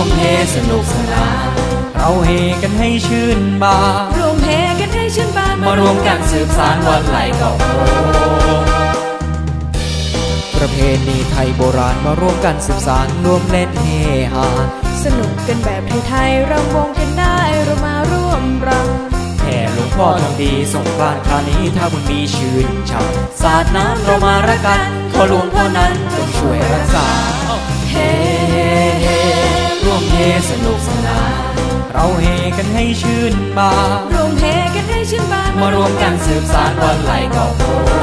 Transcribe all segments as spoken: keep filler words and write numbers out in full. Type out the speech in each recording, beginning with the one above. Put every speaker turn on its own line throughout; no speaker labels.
มเฮสนุกสนานเราเฮกันให้ชื่นบาน
รวมเฮกันให้ชื่นบาน
มารวมกันสืบสานวันไหลเก่าโพประเพณีไทยโบราณมารวมกันสืบสานรวมเล่นเฮฮา
สนุกกันแบบไทยๆรำวงกันได้เรามาร่วมรำ
แห่หลวงพ่อทองดีสงกรานต์คราวนี้ถ้าบุญมีชื่นช่ำสาดน้ำเรามารักกันขอหลวงพ่อนั้นจงช่วยรักษาเฮเฮร่วมเฮสนุกสนานเราเฮกันให้ชื่นบาน
รวมเฮกันให้ชื่นบาน
มารวมกันสืบสานวันไหลเก่าโพ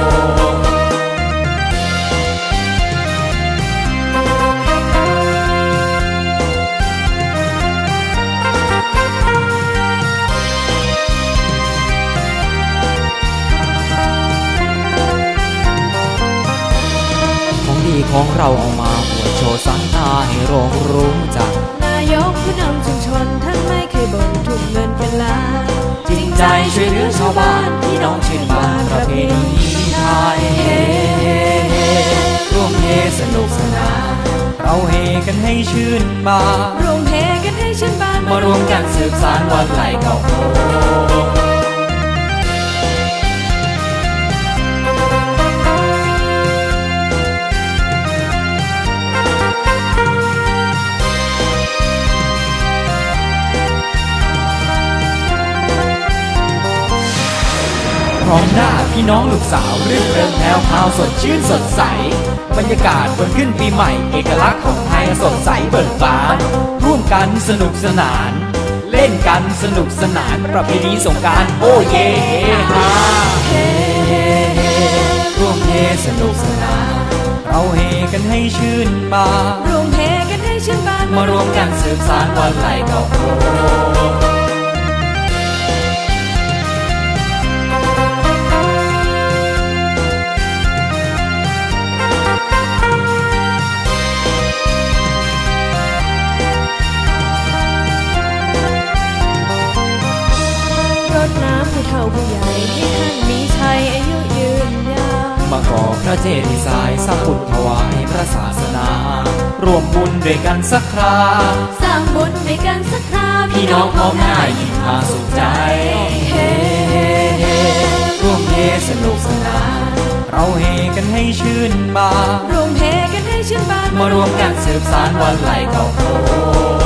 ของเราเอามาอวดโชว์สังตาให้โรงรู้จัก
นายกผู้นำชุมชนท่านไม่เคยบ่นทุ่มเงินเป็นล้าน
จริงใจช่วยเหลือชาวบ้านพี่น้องชื่นบานประเพณีไทยเฮเฮเฮร่วมเฮสนุกสนานเราเฮกันให้ชื่นบาน
รวมเฮกันให้ชื่นบาน
มารวมกันสืบสานวันไหลเก่าโพพร้อมหน้าพี่น้องลูกสาวรื่นเริงแถวพาวสดชื่นสดใสบรรยากาศวันขึ้นปีใหม่เอกลักษณ์ของไทยสดใสเบิกบานร่วมกันสนุกสนานเล่นกันสนุกสนานประเพณีสงกรานต์โอ้เย่เฮฮาเฮเฮเฮร่วมเฮสนุกสนานเราเฮกันให้ชื่นบาน
รวมเฮกันให้ชื่นบาน
มารวมกันสืบสานวันไหลเก่าโพ
น้ำผู้เฒ่าผู้ใหญ่ให้ท่านมีชัยอายุยืนยาว
มาก่อพระเจดีย์ทรายสร้างบุญถวายพระศาสนารวมบุญด้วยกันสักครา
สร้างบุญด้วยกันสักครา
พี่น้องพร้อมหน้ายิ้มพาสุขใจเฮเฮเฮร่วมเฮสนุกสนานเราเฮกันให้ชื่นบาน
รวมเฮกันให้ชื่นบาน
มารวมกันสืบสานวันไหลเก่าโพ